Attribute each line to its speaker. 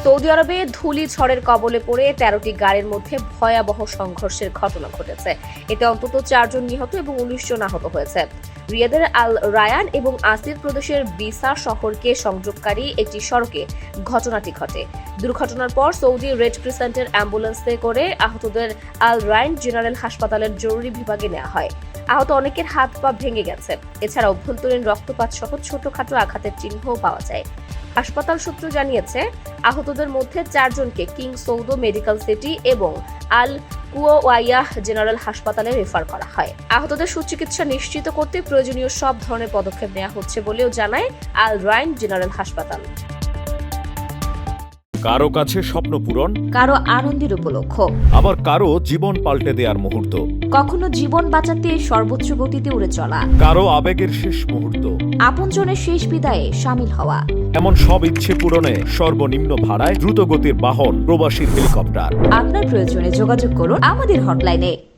Speaker 1: Saudi আরবে ধুলি ঝড়ের কবলে পড়ে 13টি গাড়ির মধ্যে ভয়াবহ সংঘর্ষের ঘটনা ঘটেছে। এতে অন্তত 4 জন নিহত এবং 19 জন আহত হয়েছে। রিয়াদের আল রায়ান এবং আসির প্রদেশের বিসা শহরকে সংযোগকারী একটি সড়কে ঘটনাটি ঘটে। দুর্ঘটনার পর সৌদি রেড ক্রিসেন্টের অ্যাম্বুলেন্সে করে আহতদের আল রায়ান জেনারেল হাসপাতালের জরুরি বিভাগে নেওয়া হয়। আহত অনেকের হাত পা ভেঙে গেছে। এছাড়া অভ্যন্তরীণ রক্তপাত সহ ছোটখাটো আঘাতের চিহ্নও পাওয়া যায়। হাসপাতাল সূত্র জানিয়েছে, আহতদের মধ্যে 4 জনকে কিং সৌদ মেডিকেল সিটি এবং আল কুওয়াইয়াহ জেনারেল হাসপাতালে রেফার করা হয়। আহতদের সুচিকিৎসা নিশ্চিত করতে প্রয়োজনীয় সব ধরনের পদক্ষেপ নেওয়া হচ্ছে বলেও জানায় আল রায়ান জেনারেল হাসপাতাল।
Speaker 2: কারো কাছে স্বপ্ন পূরণ,
Speaker 1: কারো আনন্দের উপলক্ষ,
Speaker 2: আবার কারো জীবন পাল্টে দেওয়ার মুহূর্ত,
Speaker 1: কখনো জীবন বাঁচাতে সর্বোচ্চ গতিতে উড়ে চলা,
Speaker 2: কারো আবেগের শেষ মুহূর্ত,
Speaker 1: আপনজনের শেষ বিদায়ে শামিল হওয়া।
Speaker 2: এমন সব ইচ্ছে পূরণে সর্বনিম্ন ভাড়ায় দ্রুতগতির বাহন প্রবাসীর হেলিকপ্টার।
Speaker 1: আপনার প্রয়োজনে যোগাযোগ করুন আমাদের হটলাইনে।